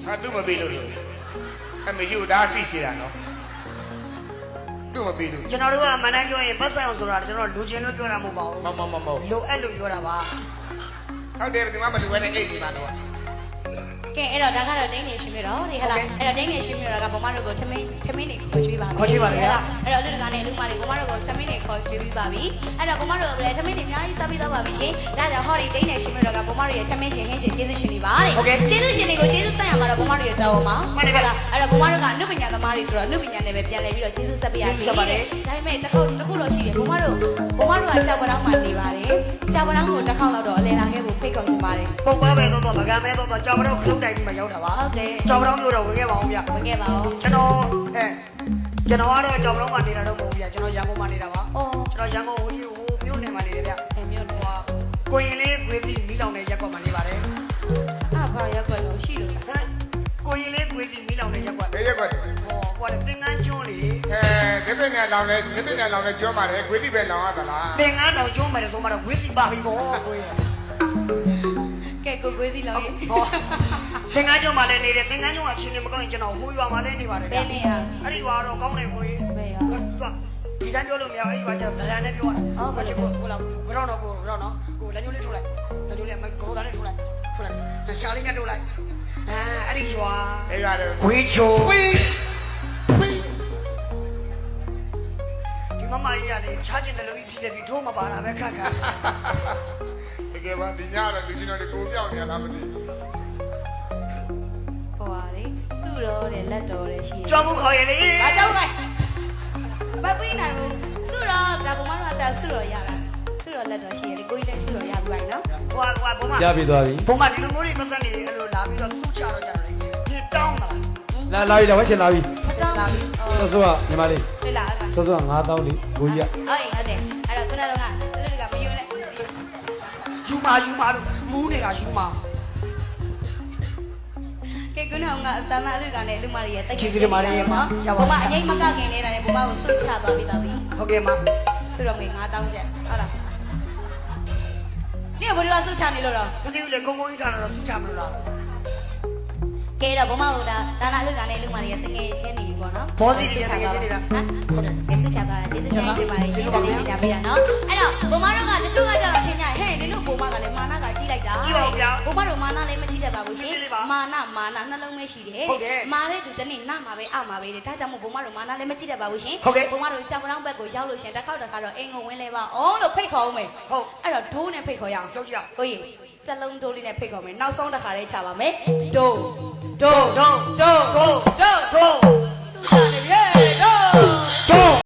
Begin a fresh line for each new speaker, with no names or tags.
ဟာသူ့မပေးလို့အမေယူဒါသိရှိတာနော်သူ့မပေးလို့
ကျွန်တော်တို့ကမနိုင်ပြောရင်ပတ်ဆိုင်အောင်ဆိုတာကျွန်တော်လူချင်းလို့ပြောတာမဟုတ်ပါဘူး
မ
လိုအပ်လို့ပြောတာပါ
ဟုတ်တယ်ဒီမှာမလူဝဲနဲ့အိတ်ဒီမှာတော့
ကဲအဲ့တော့ဒါကတော့ဒိန်းနေရှင်ပြတော့ဒီဟလားအဲ့တော့ဒိန်းနေရှင်ပြတော့ကဘမတို့ကိုထမင်းနေခေါ်ကျွေးပါပြီအဲ့တော့လူတကာနဲ့လူမတွေဘမတို့ကိုထမင်းနေခေါ်ကျွေးပြီးပါပြီအဲ့တော့ဘမတို့ကလည်းထမင်းနေအများကြီးစားပြီးတော့ပါပြီရှင်ဒါကြောင့်ဟောဒီဒိန်းနေရှင်ပြတော့ကဘမတို့ရဲ့ထမင်းရှင်ဟင်းရှင်ကျေးဇူးရှင်တွေပါတဲ့ကျေးဇူးရှင်တွေကိုကျေးဇူးဆက်ရမှာတော့ဘမတို့ရဲ့တော်မှာမှန်တယ်လားအဲ့တော့ဘမတို့ကအနုပညာသမားတွေဆိုတော့အနုပညာနဲ့ပဲပြန်လည်ပြီးတော့ကျေးဇူးဆက်ပေးရစီဒါပေမဲ့တစ်ခုတော့ရှိတယ်ဘမတို့ကကြောက်ပတောင်းမှနေပါတယ်ကြောက်ပတောင်းကိုတစ်ခေါက်လောက်တော့အလဲလာခဲ့ဖို့ဖိတ်ခေါ်ချင်ပါတယ်
ပုံပွဲပဲတော့မကမ်းမဲတော့ကြောင်မတော့ခလုံးတိုင်းပြီးမှရောက်တာပါ
ဟုတ်တယ်
ကြောင်မတော့မျိုးတော့ဝင်ခဲ့ပါအောင်ဗျ
ဝင်ခဲ့ပါဦး
ကျွန်တော်ကတော့ကြောင်မတော့မှနေတာတော့မဟုတ်ဗျကျွန်တော်ရန်ကုန်မှာနေတာပါ
အော်
ကျွန်တော်ရန်ကုန်ဟိုမြို့နယ်မှာနေတယ်ဗျ
အဲ့မျိုးတော့
ကိုရင်လေးခွေးစီမီးလောင်တဲ့ရက်ကွက်မှာနေပါတယ်
အဲ့ဘာရက်ွက်လို့ရှိလို့
ဟမ်ကိုရင်လေးခွေးစီမီးလောင်တဲ့ရက်ကွက်
ဘယ်ရက်ကွက်
ဟောကွာသင်္ကန်းကျွန်းလေ
ဒီပင်ငယ်လောင်လဲကျွမ်းပါတယ်ခွေးတိပဲလောင်ရသလား
သင်္ကန်းတောင်ကျွန်းမယ်တော့မှတော့ခွေးစီပါပြီပေါ့ကိုရင်
ကဲကိုစီလောင်းရေ
ဟောသင်္ကန်းကျွန်းမှာလည်းနေတယ်သင်္ကန်းကျွန်းကအချင်းချင်းမကောင်းရင်ကျွန်တော်ဟိုရွာမှာလည်းနေပါတယ်
ဘယ်နေရ
အဲ့ဒီရွာတော့ကောင်းတယ်ကိုရင်
ဘယ်ရ
ဒီတိုင်းပြောလို့မရဘူးအဲ့ဒီရွာကျတော့ဒလန်နဲ့ပြောတာကိုလောက်ကတော့တော့ကိုလက်ညှိုးလေးထိုးလိုက်လက်ညှိုးလေးမကိုသားလေးထိုးလိုက်ရှာလေးမြတ်ထိုးလိုက်အဲ့ဒီရွာ
အဲ့ရတယ်
ခွေးချို
ခွေး
ဒီမမကြီးကလည်းချားကျင်တယ်လို့ဖြစ်နေပြီထိုးမပါတာပဲခက်ခက်
တကယ်ပါဒီညတော့လူချင်းတော်တွေကိုပြောင်းနေရလားမသိဘူး
ဟိုပါလေစုတော့တယ်လက်တော်တယ်ရှိ
ကြောက်မှုခေါ်ရလေ
ဘာကြောက်လဲမပြီးနိုင်ဘူးစုတော့ဒါကမတော့တာစုတော့ရတာစုတော့လက်တော်ရှိတယ်ကိုကြီးတိုင်းစုတော့ရပြီနော်
ဟွာဘုံမ
ရပြီသွားပြီ
ဘုံမဒီလိုမျိုးတွေပတ်သက်နေအဲ့လိုလာပြီးတော့သူ့ချတော့ကြတယ်ဒီတောင်းတာ
လာပြီလာဝဲချင်လာပြီ
မတောင်းဘူး
ဆော့ဆော့ကညီမလေး
လေလာအဲ့
ဆော့ဆော့က9000လေးကိုကြီးက
ဟုတ်တယ်အဲ့တော့ခုနကတော့ကလူတွေကမယွန်းလဲ
ယူမာလို့မူးနေတာယူမာ
ကဲခုနကတန်လာလူကလည်းလူမတွေရဲ့တိုက်
ချီစီမာလေးမှာရပါ
ဘုမအငိမ့်မကခင်နေတာနဲ့ဘုမကိုစွတ်ချသွားပြီးတော့ပြီ
ဟုတ်ကဲ့မ
စုတော့ငွေ9000ကျပ်ဟုတ်လားဒီကဘယ်လိုဆုတ်ချနေလို့တော့
မသိဘူးလေကုန်းကုန်းကြီးထားတော့သူ့ချမလို့လား
ကဲတော့ဘမဟုတ်တာဒါနာလူကလည်းလူမတွေကတငယ်ချင်းနေပြီပေါ့နော်
ဘောစီတွေတကယ်နေတာ
ဟမ်ဟုတ်တယ်အဲဆုတ်ချသွားတာကျေးဇူးတင်ပါတယ်ရှင်းတယ်လေးရှင်းပြပေးတာနော်အဲ့တော့ဘမတို့ကတချို့ကကြတော့ထင်ကြဟဲ့ဒီလိုဘမကလည်းမာနကကြီးလိုက်တာဘမတို့မာနလည်းမကြီးတတ်ပါဘူးရှင်မာနနှလုံးပဲရှိတယ်မာတဲ့သူတနေ့နမှာပဲအမှာပဲတဲ့ဒါကြောင့်မို့ဘမတို့မာနလည်းမကြီးတတ်ပါဘူးရှင်ဘမတို့ကြောင်ပတောင်းဘက်ကိုရောက်လို့ရှင်တစ်ခေါက်တော့အင်ကိုဝင်းလဲပါအောင်လို့ဖိတ်ခေါ်အောင်မယ်ဟုတ်အဲ့တော့ဒိုးနဲ့ဖိတ်ခေါ်ရအောင်
ရောက်ကြ
ကိုကြီးတလုံးဒိုးလေးနဲ့ဖိတ်ခေါ်မယ်နောက်ဆုံးတစ်ခါလေးချပါမယ်ဒိုး